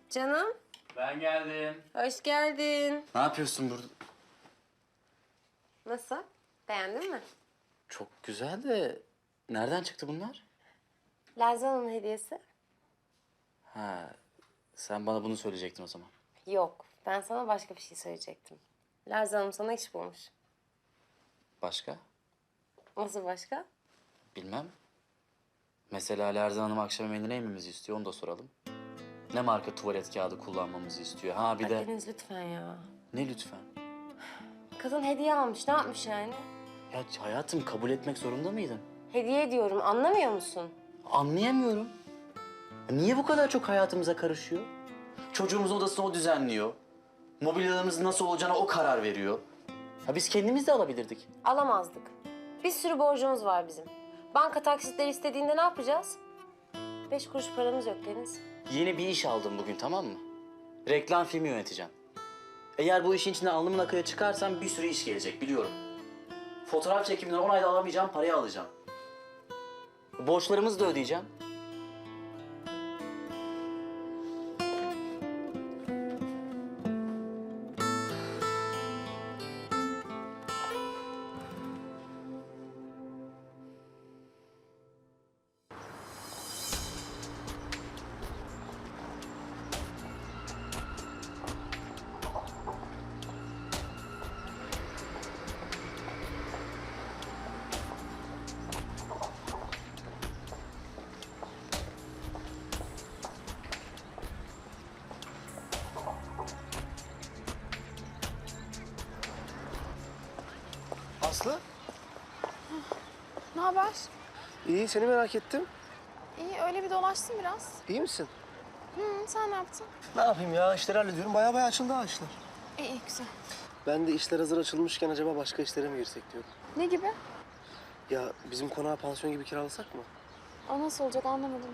Canım, Ben geldim. hoş geldin. Ne yapıyorsun burada? Nasıl? Beğendin mi? Çok güzel de nereden çıktı bunlar? Lerzan'ın hediyesi. Ha, sen bana bunu söyleyecektin o zaman. Yok, ben sana başka bir şey söyleyecektim. Lerzan'ım sana iş bulmuş. Başka? Nasıl başka? Bilmem. Mesela Lerzan Hanım akşam yemeğinde ne yememizi istiyor onu da soralım. Ne marka tuvalet kağıdı kullanmamızı istiyor? Ha bir de... Deniz lütfen ya. Ne lütfen? Kadın hediye almış, ne yapmış yani? Ya hayatım kabul etmek zorunda mıydın? Hediye ediyorum, anlamıyor musun? Anlayamıyorum. Niye bu kadar çok hayatımıza karışıyor? Çocuğumuzun odasını o düzenliyor. Mobilyalarımızın nasıl olacağına o karar veriyor. Ya biz kendimiz de alabilirdik. Alamazdık. Bir sürü borcumuz var bizim. Banka taksitleri istediğinde ne yapacağız? 5 kuruş paramız yok Deniz. Yeni bir iş aldım bugün, tamam mı? Reklam filmi yöneteceğim. Eğer bu işin içinden alnımın akıya çıkarsam bir sürü iş gelecek biliyorum. Fotoğraf çekiminden 10 ayda alamayacağım parayı alacağım. Borçlarımızı da ödeyeceğim. Aslı, Ne haber? iyi seni merak ettim. İyi, öyle bir dolaştım biraz. İyi misin? Sen ne yaptın? Ne yapayım ya, işleri hallediyorum. Baya açıldı ha işler. İyi, güzel. Ben de işler hazır açılmışken acaba başka işlere mi girsek diyorum. Ne gibi? Ya bizim konağı pansiyon gibi kiralasak mı? O nasıl olacak anlamadım.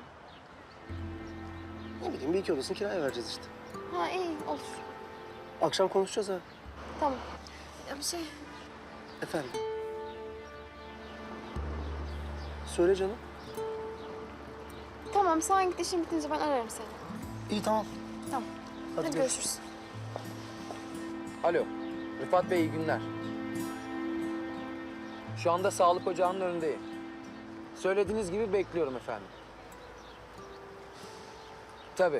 Ne bileyim, bir iki odasını kiraya vereceğiz işte. Ha iyi, olur. Akşam konuşacağız ha. Tamam. Ya bir şey, Efendim? Söyle canım. tamam sen git işin bitince ben ararım seni. İyi tamam. Tamam. Hadi Hadi görüşürüz. Alo, Rıfat Bey iyi günler. Şu anda sağlık ocağının önündeyim. Söylediğiniz gibi bekliyorum efendim. Tabii.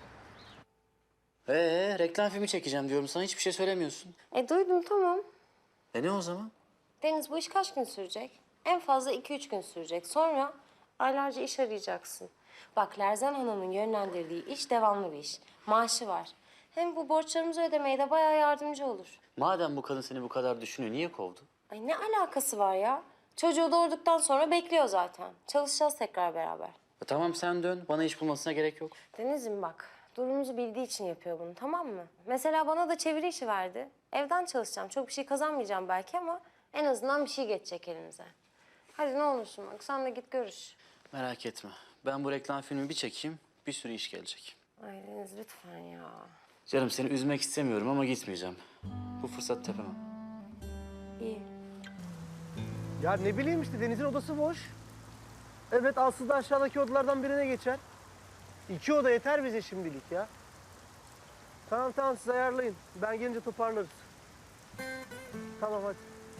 Reklam filmi çekeceğim diyorum sana hiçbir şey söylemiyorsun. Duydum tamam. Ne o zaman? Deniz bu iş kaç gün sürecek? En fazla 2-3 gün sürecek. Sonra aylarca iş arayacaksın. Bak Lerzan Hanım'ın yönlendirdiği iş devamlı bir iş. Maaşı var. Hem bu borçlarımızı ödemeye de bayağı yardımcı olur. Madem bu kadın seni bu kadar düşünüyor niye kovdu? Ay ne alakası var ya? Çocuğu doğurduktan sonra bekliyor zaten. Çalışacağız tekrar beraber. Tamam sen dön bana iş bulmasına gerek yok. Deniz'im bak, durumumuzu bildiği için yapıyor bunu, tamam mı? Mesela bana da çeviri işi verdi. Evden çalışacağım, çok bir şey kazanmayacağım belki ama en azından bir şey geçecek elimize. Hadi ne olursun bak, sen de git görüş. Merak etme. Ben bu reklam filmi bir çekeyim, bir sürü iş gelecek. Ay Deniz lütfen ya. Canım seni üzmek istemiyorum ama gitmeyeceğim. Bu fırsat tepemem. İyi. Ya ne bileyim işte, Deniz'in odası boş. Evet, Aslı da aşağıdaki odalardan birine geçer. 2 oda yeter bize şimdilik ya. Tamam siz ayarlayın. Ben gelince toparlarız. Tamam hadi.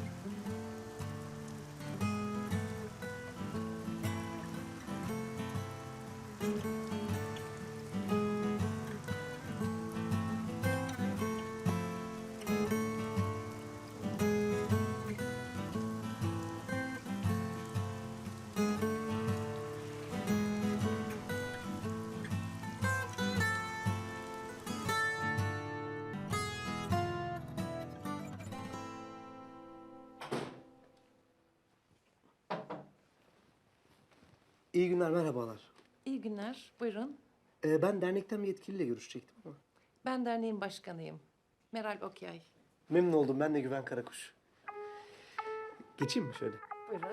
İyi günler, merhabalar. İyi günler, buyurun. Ben dernekten bir yetkiliyle görüşecektim ama. Ben derneğin başkanıyım. Meral Okyay. Memnun oldum, ben de Güven Karakuş. Geçeyim mi şöyle? Buyurun.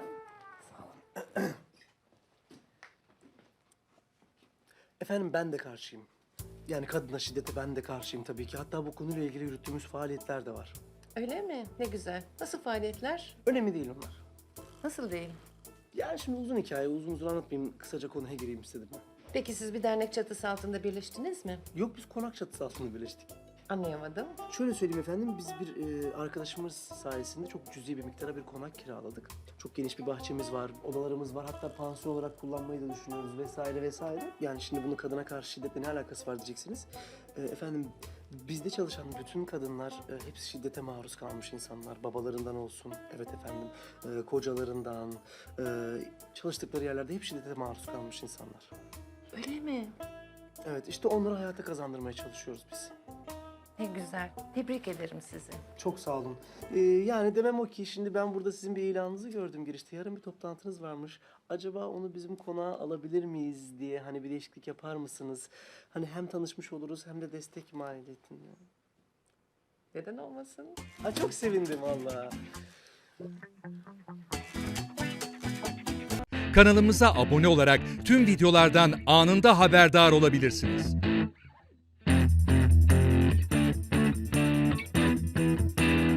Efendim ben de karşıyım. Yani kadına şiddete ben de karşıyım tabii ki. Hatta bu konuyla ilgili yürüttüğümüz faaliyetler de var. Öyle mi? Ne güzel. Nasıl faaliyetler? Önemli değil onlar. Nasıl değil? Yani şimdi uzun hikaye, uzun anlatmayayım. Kısaca konuya gireyim istedim ben. Peki siz bir dernek çatısı altında birleştiniz mi? Yok, biz konak çatısı altında birleştik. Anlayamadım. Şöyle söyleyeyim efendim, biz bir arkadaşımız sayesinde çok cüzi bir miktara bir konak kiraladık. Çok geniş bir bahçemiz var, odalarımız var. Hatta pansiyon olarak kullanmayı da düşünüyoruz vesaire vesaire. Yani şimdi bunun kadına karşı şiddetle ne alakası var diyeceksiniz. Efendim, bizde çalışan bütün kadınlar hepsi şiddete maruz kalmış insanlar. Babalarından olsun, evet efendim, kocalarından, çalıştıkları yerlerde hep şiddete maruz kalmış insanlar. Öyle mi? Evet, işte onları hayata kazandırmaya çalışıyoruz biz. Ne güzel. Tebrik ederim sizi. Çok sağ olun. Yani demem o ki, şimdi ben burada sizin bir ilanınızı gördüm girişte. Yarın bir toplantınız varmış. Acaba onu bizim konağa alabilir miyiz diye, hani bir değişiklik yapar mısınız? Hani hem tanışmış oluruz hem de destek mahiyetinde. Neden olmasın? Ha, çok sevindim vallahi. Kanalımıza abone olarak tüm videolardan anında haberdar olabilirsiniz.